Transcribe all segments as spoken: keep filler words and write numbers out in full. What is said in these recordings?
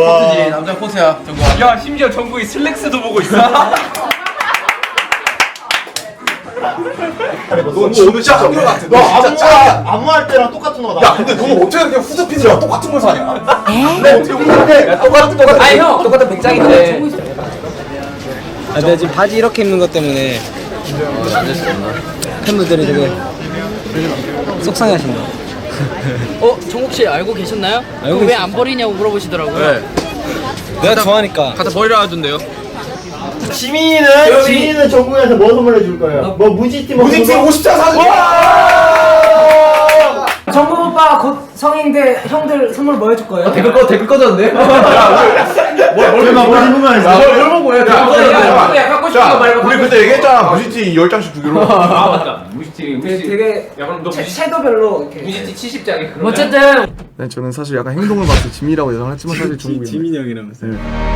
코트지. 남자 코트야. 정국아. 야 심지어 정국이 슬랙스도 보고 있어. 너 오늘 진짜 한결 같아. 너 안무 안무할 때랑 똑같은 거다. 야 근데 너는 어떻게 이렇게 후드피드랑 똑같은 걸 사냐? 너 어떻게 웃는데? 똑같은 똑같은. 아니 형 똑같은 백장인데. 아, 내가 지금 바지 이렇게 입는 것 때문에 팬분들이 되게 속상해하신다. 어? 정국 씨 알고 계셨나요? 알고 왜 안 버리냐고 물어보시더라고요. 네. 내가 좋아하니까. 갖다 버리라 하던데요. 지민이는 지민이는 정국이한테 뭐 선물해 줄 거예요? 뭐 무지티 뭐 무지티 오십 장 사줄 정국 오빠 곧 성인인데 형들 선물 뭐 해줄 거예요? 댓글 꺼 댓글 꺼졌는데? 뭘뭘 입으면 뭘 보고 야 야 갖고 싶은 거 말고. 우리 그때 얘기했잖아. 무지티 열 장씩 주기로. 아 맞다. 무시티 되게, 무시티. 되게 야 그럼 너 채- 무시티 섀도별로 이렇게 무시티 칠십 장이 그러면. 어쨌든 네, 저는 사실 약간 행동을 봐서 지민이라고 예상을 했지만 사실 종국입니다. 지민이 형이라면서요.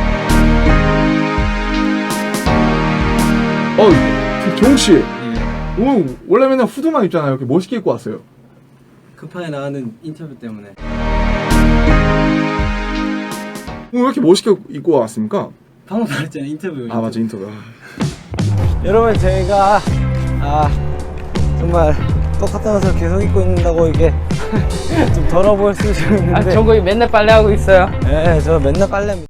어, 종국 씨. 오늘 원래 맨날 후드만 입잖아요. 이렇게 멋있게 입고 왔어요. 급하게 나가는 인터뷰 때문에. 오늘 왜 이렇게 멋있게 입고 왔습니까? 방금 말했잖아 인터뷰. 아 맞아 인터뷰. 여러분 저희가 아 정말 똑같은 옷을 계속 입고 있는다고 이게 좀 더러 보일 수 있는데. 아, 정국이 맨날 빨래하고 있어요. 네, 저 맨날 빨래합니다.